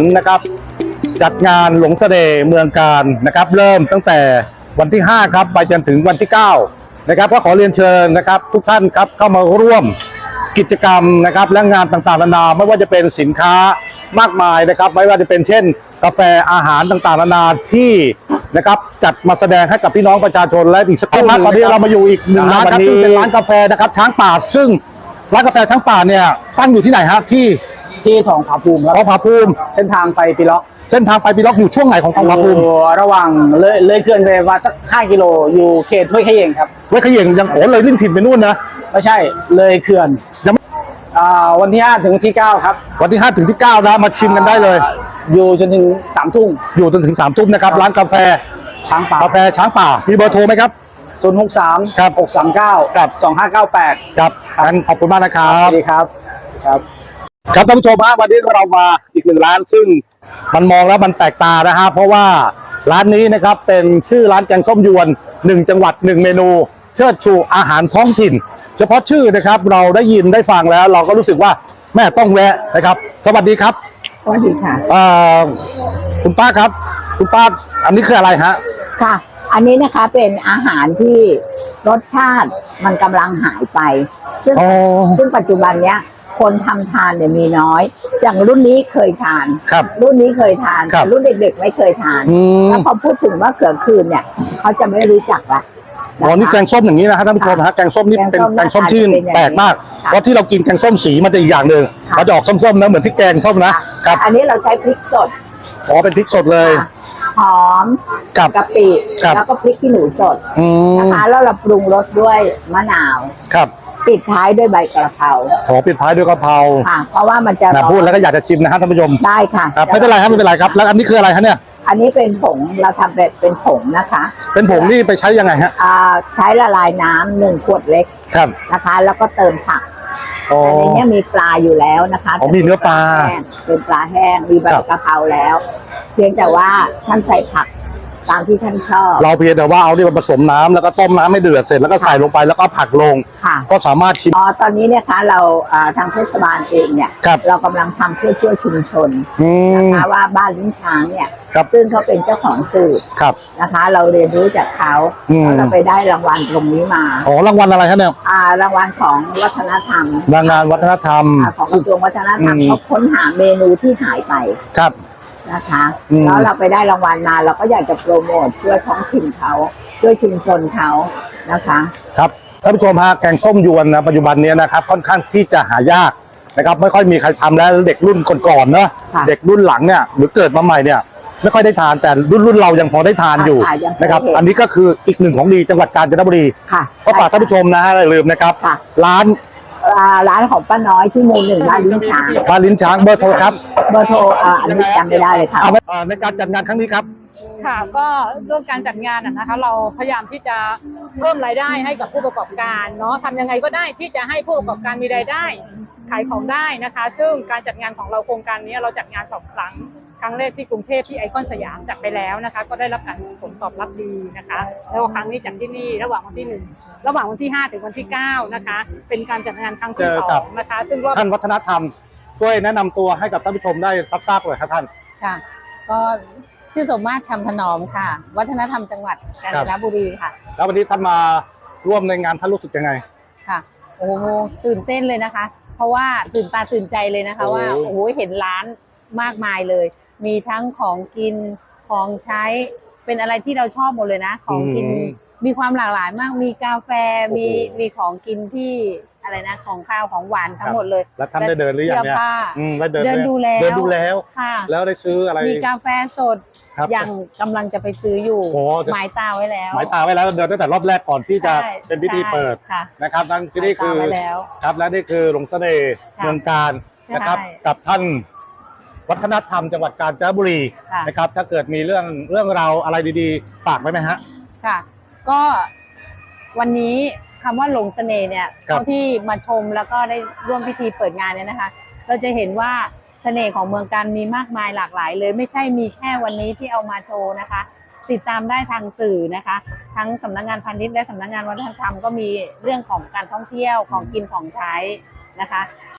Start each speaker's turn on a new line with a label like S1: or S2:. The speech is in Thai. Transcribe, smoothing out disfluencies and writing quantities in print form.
S1: นะครับจัดงานหลงเสน่ห์เมืองการนะครับเริ่มตั้งแต่วันที่5ครับไปจนถึงวันที่9นะครับก็ขอเรียนเชิญนะครับทุกท่านครับเข้ามาร่วมกิจกรรมนะครับและงานต่างๆนานาไม่ว่าจะเป็นสินค้ามากมายนะครับไม่ว่าจะเป็นเช่นกาแฟอาหารต่างๆนานาที่นะครับจัดมาแสดงให้กับพี่น้องประชาชนและอีกสักครู่ตอนนี้เรามาอยู่อีกหนึ่งร้านครับซึ่งเป็นร้านกาแฟนะครับช้างป่าซึ่งร้านกาแฟช้างป่าเนี่ยตั้งอยู่ที่ไหนฮะ
S2: ที่ทองผาภูมิครับ
S1: ทองผาภูมิ
S2: เส้นทางไปปีล็อก
S1: เส้นทางไปปีล็อกอยู่ช่วงไหนของทองผาภูมิ
S2: ระหว่างเลยเขื่อนไปมาสัก5 กิโลอยู่เขตห้วยเขยงครับ
S1: ห้วยเขยงยังโอ้เลยลิ้นถิ่นไปนู่นนะ
S2: ไม่ใช่เลยเขื่อน
S1: ยัง
S2: วันที่5ถึงวันที่9ครับ
S1: วันที่5ถึงที่9นะมาชิมกันได้เลย
S2: อยู่จนถึง3 ทุ่ม
S1: อยู่จนถึง3 ทุ่มนะครับร้านกาแฟ
S2: ช้างป่าก
S1: าแฟช้างป่ามีเบอร์โทรไหมครับ
S2: 063
S1: ครับ
S2: 639
S1: ครับ
S2: 2598
S1: ครับงั้นขอบคุณมากนะครับ
S2: สวัสดีครับ
S1: ครับท่านผู้ชมฮะวันนี้เรามาอีกหนึ่งร้านซึ่งมันมองแล้วมันแปลกตานะฮะเพราะว่าร้านนี้นะครับเป็นชื่อร้านแกงส้มยวน1จังหวัด1เมนูเชิดชูอาหารท้องถิ่นเฉพาะชื่อนะครับเราได้ยินได้ฟังแล้วเราก็รู้สึกว่าแม่ต้องแวะนะครับสวัสดีครับ
S3: สวัสดีค่ะ
S1: คุณป้าครับคุณป้าอันนี้คืออะไรฮะ
S3: ค่ะอันนี้นะคะเป็นอาหารที่รสชาติมันกำลังหายไปซึ่งปัจจุบันเนี้ยคนทำทานเนี่ยมีน้อยอย่างรุ่นนี้เคยทานรุ่นนี้เคยทานแต่รุ่นเด็กๆไม่เคยทานแล้วพอพูดถึงว่าเขือคืนเนี่ยเขาจะไม่รู้จักละ
S1: อ๋อนี่แกงส้มอย่างนี้นะฮะท่านผู้ชมฮะแกงส้มนี่เป็นแกงส้มที่แปลกมากเพราะที่เรากินแกงส้มสีมันจะอีกอย่างหนึ่งมันจะออกส้มๆนะเหมือนที่แกงส้มนะครับ
S3: อันนี้เราใช้พริกสด
S1: อ๋อเป็นพริกสดเลย
S3: หอมกะปิแล้วก็พริกขี้หนูสดนะคะแล้วเราปรุงรสด้วยมะนาว
S1: ครับ
S3: ปิดท้ายด้วยใบกระเพรา
S1: ปิดท้ายด้วยกระเพรา
S3: ค่ะเพราะว่ามันจะ
S1: พูดแล้วก็อยากจะชิมนะฮะท่านผู้ชม
S3: ได้ค่ะ
S1: ครับไม่เป็นไรครับไม่เป็นไรครับแล้วอันนี้คืออะไรคะเนี่ย
S3: อันนี้เป็นผงเราทำเป็นผงนะคะ
S1: เป็นผงนี่ไปใช้ยังไงฮะ
S3: ใช้ละลายน้ำ1 ขวดเล็ก
S1: ครับ
S3: นะคะแล้วก็เติมผักแต่ในนี้มีปลาอยู่แล้วนะคะ
S1: มีเนื้อปลา
S3: เป็นปลาแห้งมีใบกระเพราแล้วเพียงแต่ว่าท่านใส่ผักตามที่ท่านชอบ
S1: เราเพียงแต่ว่าเอาที่มาผสมน้ำแล้วก็ต้มน้ำให้เดือดเสร็จแล้วก็ใส่ลงไปแล้วก็ผักลงก็สามารถชิม
S3: ตอนนี้เนี่ยคะเราทางเทศบาลเองเนี่ยเรากำลังทำเพื่อช่วยชุมชนนะคะว่าบ้านลิ้นช้างเนี่ยซึ่งเขาเป็นเจ้าของสูตรนะคะเราเรียนรู้จากเขาเราไปได้รางวัลตรงนี้มา
S1: อ๋อรางวัลอะไรครับเนี่ย
S3: รางวัลของวัฒนธรรม
S1: รางวัลวัฒนธรรม
S3: ของกระทรวงวัฒนธรรมเขาค้นหาเมนูที่หายไป
S1: ครับ
S3: นะคะแล้วเราไปได้รางวัลมาเราก็อยากจะโปรโมทช่วยท้องถิ่นเขาช่วยชุมชนเขานะคะ
S1: ครับท่านผู้ชมฮะแกงส้มยวนนะปัจจุบันนี้นะครับค่อนข้างที่จะหายากนะครับไม่ค่อยมีใครทำแล้วเด็กรุ่นก่อนๆเนาะเด็กรุ่นหลังเนี่ยหรือเกิดมาใหม่เนี่ยไม่ค่อยได้ทานแต่รุ่นเรายังพอได้ทานอยู่นะครับอันนี้ก็คืออีกหนึ่งของดีจังหวัดกาญจนบุรีก็ฝากท่านผู้ชมนะฮะอย่าลืมนะครับ
S3: ร้านของป้าน้อยที่หมู่1บ้านลิ้นช้าง
S1: เบอร์โทรครับ
S3: เบอร์โทรอันนี้จำไม่ได้เลยค่ะ
S1: ในการจัดงานครั้งนี้ครับ
S4: ค่ะก็เรื่องการจัดงานนะคะเราพยายามที่จะเพิ่มรายได้ให้กับผู้ประกอบการเนาะทำยังไงก็ได้ที่จะให้ผู้ประกอบการมีรายได้ขายของได้นะคะซึ่งการจัดงานของเราโครงการนี้เราจัดงาน2 ครั้งแรกที่กรุงเทพที่ไอคอนสยามจัดไปแล้วนะคะก็ได้รับการผลตอบรับดีนะคะแล้วครั้งนี้จัดที่นี่ระหว่างวันที่1ระหว่างวันที่5ถึงวันที่9นะคะเป็นการจัดงานครั้งที่2นะคะซึ่ง
S1: ท่านวัฒนธรรมช่วยแนะนำตัวให้กับท่านผู้ชมได้รับทราบเลยครับท่าน
S5: ค่ะก็ชื่อสมมาตรคำถนอมค่ะวัฒนธรรมจังหวัดกาญจนบุรีค่ะ
S1: แล้ววันนี้ท่านมาร่วมในงานท่านรู้สึกยังไง
S5: ค่ะโอ้โหตื่นเต้นเลยนะคะเพราะว่าตื่นตาตื่นใจเลยนะคะว่าโอ้โหเห็นร้านมากมายเลยมีทั้งของกินของใช้เป็นอะไรที่เราชอบหมดเลยนะของกินมีความหลากหลายมากมีกาแฟมีของกินที่อะไรนะของข้าวของหวานทั้งหมดเลย
S1: แล้วท่านได้เดินหรือยังเนี่ย
S5: เดินดู
S1: แล้ว
S5: ค่ะ
S1: แล้วได้ซื้ออะไร
S5: มีกาแฟสดอย่างกำลังจะไปซื้ออยู่หมายตาไว้แล้ว
S1: เดินตั้งแต่รอบแรกก่อนที่จะเป็นพิธีเปิดนะครับนั่นนี่คือครับและนี่คือหลงเสน่ห์เมืองการนะครับกับท่านวัฒนธรรมจังหวัดกาญจนบุรีนะครับถ้าเกิดมีเรื่องราวอะไรดีๆฝากไว้ไหมฮะ
S5: ค่ะก็วันนี้คำว่าหลงเสน่ห์เนี่ยเท่าที่มาชมแล้วก็ได้ร่วมพิธีเปิดงานเนี่ยนะคะเราจะเห็นว่าเสน่ห์ของเมืองการมีมากมายหลากหลายเลยไม่ใช่มีแค่วันนี้ที่เอามาโชว์นะคะติดตามได้ทางสื่อนะคะทั้งสำนักงานพาณิชย์และสำนักงานวัฒนธรรมก็มีเรื่องของการท่องเที่ยวของกินของใช้นะคะ